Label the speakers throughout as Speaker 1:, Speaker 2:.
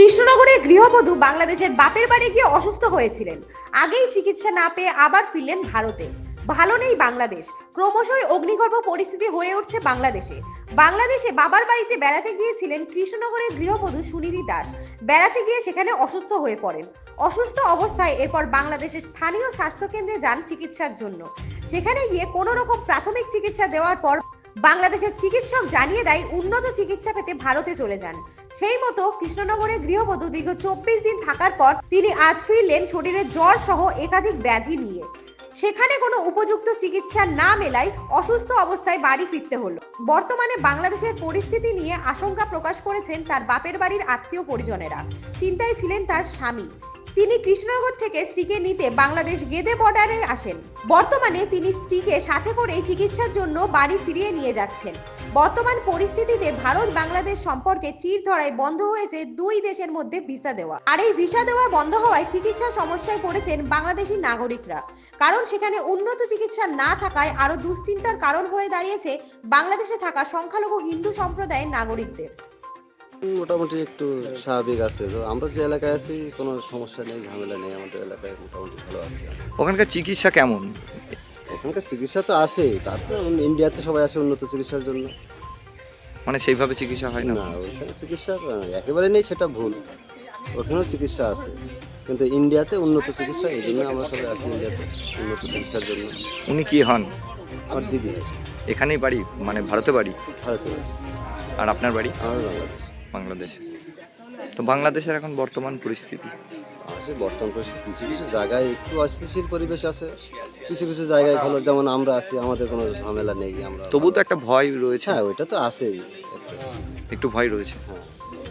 Speaker 1: কৃষ্ণনগরে গৃহবধূ বাংলাদেশের বাপের বাড়ি গিয়ে অসুস্থ হয়েছিলেন। আগেই চিকিৎসা না পেয়ে আবার ফিরলেন ভারতে। ভালো নেই বাংলাদেশ, ক্রমশই অগ্নিগর্ভ পরিস্থিতি হয়ে উঠছে বাংলাদেশে। বাংলাদেশে বাবার বাড়িতে বেড়াতে গিয়েছিলেন কৃষ্ণনগরের গৃহবধূ সুনিধি দাস। বেড়াতে গিয়ে সেখানে অসুস্থ হয়ে পড়েন। অসুস্থ অবস্থায় এরপর বাংলাদেশের স্থানীয় স্বাস্থ্যকেন্দ্রে যান চিকিৎসার জন্য। সেখানে গিয়ে কোনো রকম প্রাথমিক চিকিৎসা দেওয়ার পর বাংলাদেশের চিকিৎসক জানিয়ে দেয় উন্নত চিকিৎসা পেতে ভারতে চলে যান। সেই মতো কৃষ্ণনগরে গৃহবধূ দীর্ঘ 24 দিন থাকার পর তিনি আজ ফিরলেন শরীরে জ্বর সহ একাধিক ব্যাধি নিয়ে। সেখানে কোনো উপযুক্ত চিকিৎসা না মেলায় অসুস্থ অবস্থায় বাড়ি ফিরতে হলো। বর্তমানে বাংলাদেশের পরিস্থিতি নিয়ে আশঙ্কা প্রকাশ করেছেন তার বাপের বাড়ির আত্মীয় পরিজনেরা। চিন্তায় ছিলেন তার স্বামী। তিনি কৃষ্ণনগর থেকে স্ত্রীকে নিতে বাংলাদেশ গেদে বর্ডারে আসেন। বর্তমানে তিনি স্ত্রীকে সাথে করে চিকিৎসার জন্য বাড়ি ফিরিয়ে নিয়ে যাচ্ছেন। বর্তমান পরিস্থিতিতে ভারত বাংলাদেশ সম্পর্কে চির ধরায় বন্ধ হয়েছে দুই দেশের মধ্যে ভিসা দেওয়া। আর এই ভিসা দেওয়া বন্ধ হওয়ায় চিকিৎসা সমস্যায় পড়েছেন বাংলাদেশি নাগরিকরা। কারণ সেখানে উন্নত চিকিৎসা না থাকায় আরো দুশ্চিন্তার কারণ হয়ে দাঁড়িয়েছে বাংলাদেশে থাকা সংখ্যালঘু হিন্দু সম্প্রদায়ের নাগরিকদের।
Speaker 2: মোটামুটি একটু স্বাভাবিক আছে, তো আমরা যে এলাকায় আছি কোনো সমস্যা নেই, ঝামেলা নেই, আমাদের এলাকায় মোটামুটি ভালো আছে।
Speaker 3: ওখানকার চিকিৎসা কেমন?
Speaker 2: ওখানকার চিকিৎসা তো আছেই, তারপরে ইন্ডিয়াতে সবাই আসে উন্নত চিকিৎসার জন্য।
Speaker 3: মানে সেইভাবে চিকিৎসা হয় না?
Speaker 2: না, ওইখানে চিকিৎসা একেবারে নেই, সেটা ভুল। ওখানেও চিকিৎসা আছে, কিন্তু ইন্ডিয়াতে উন্নত চিকিৎসা, এই জন্য আমরা সবাই আসি ইন্ডিয়াতে উন্নত চিকিৎসার জন্য।
Speaker 3: উনি কি হন?
Speaker 2: আমার দিদি
Speaker 3: এখানেই বাড়ি, মানে ভারতে বাড়ি?
Speaker 2: ভারতে।
Speaker 3: আর আপনার বাড়ি?
Speaker 2: আমার বাংলাদেশ।
Speaker 3: বাংলাদেশে। তো বাংলাদেশের এখন বর্তমান পরিস্থিতি?
Speaker 2: আছে বর্তমান পরিস্থিতি, কিছু কিছু জায়গায় একটু অস্থিতিশীল পরিবেশ আছে, কিছু কিছু জায়গায় ভালো, যেমন আমরা আছি, আমাদের কোনো ঝামেলা নেই। আমরা
Speaker 3: তবু তো একটা ভয় রয়েছে।
Speaker 2: হ্যাঁ, ওইটা তো আছেই,
Speaker 3: একটু ভয় রয়েছে।
Speaker 2: হ্যাঁ।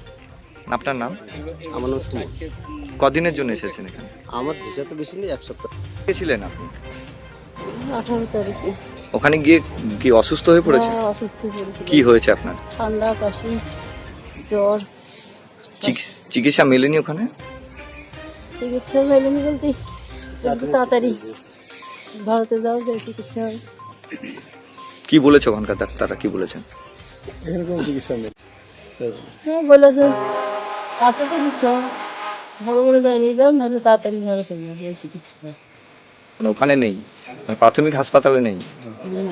Speaker 3: আপনার নাম?
Speaker 2: আমার নাম সুমন।
Speaker 3: কদিনের জন্য এসেছেন এখানে?
Speaker 2: আমার ভিসা তো বেশি নেই, 1 সপ্তাহ।
Speaker 3: গেছিলেন আপনি?
Speaker 4: 18 তারিখে।
Speaker 3: ওখানে গিয়ে কি অসুস্থ হয়ে পড়েছে?
Speaker 4: হ্যাঁ, অসুস্থ হয়েছিল।
Speaker 3: কি হয়েছে আপনার?
Speaker 4: ঠান্ডা, কাশি, জ্বর।
Speaker 3: চিকিৎসা মেলেনি ওখানে?
Speaker 4: চিকিৎসা মেলেনি বলতে যত তাড়াতাড়ি ভারতে যাওয়া যায় চিকিৎসা হয়।
Speaker 3: কি বলেছে ওখানকার ডাক্তাররা, কি বলেছেন?
Speaker 2: এখানে কোনো চিকিৎসা নেই।
Speaker 4: হ্যাঁ, বলেছে তাড়াতাড়ি চিকিৎসা বড় বড় যায়নি, যাও নাহলে তাড়াতাড়ি ভারতে যাওয়া চিকিৎসা হয়।
Speaker 3: মানে ওখানে নেই, মানে প্রাথমিক হাসপাতালে নেই?
Speaker 4: না,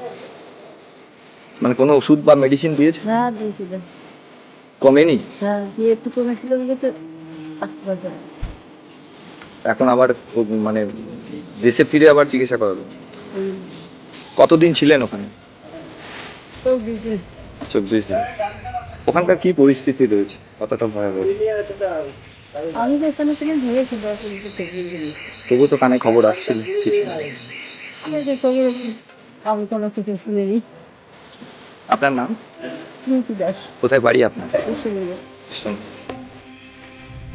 Speaker 3: মানে কোনো ওষুধ বা মেডিসিন দিয়েছে?
Speaker 4: হ্যাঁ দিয়েছিলেন।
Speaker 3: কমেনি?
Speaker 4: হ্যাঁ, দিয়ে একটু কমেছিল বলেছে আসতে পারবে।
Speaker 3: এখন আবার মানে দেশে ফিরে আবার চিকিৎসা করাবে? কতদিন ছিলেন ওখানে?
Speaker 4: তো দিয়েছে
Speaker 3: 24 দিন। ওখানকার কি পরিস্থিতি রয়েছে, কতটা ভয়াবহ?
Speaker 4: আমি তো এখানে থেকে ধরেছি 10 থেকে।
Speaker 3: তবু তো কানে খবর আসছিল কিছু?
Speaker 4: আমি কোনো কিছু শুনিনি।
Speaker 3: আপনার নাম?
Speaker 4: সুনীতি দাস।
Speaker 3: কোথায় বাড়ি আপনার?
Speaker 4: শুনিনি।
Speaker 3: শুনুন।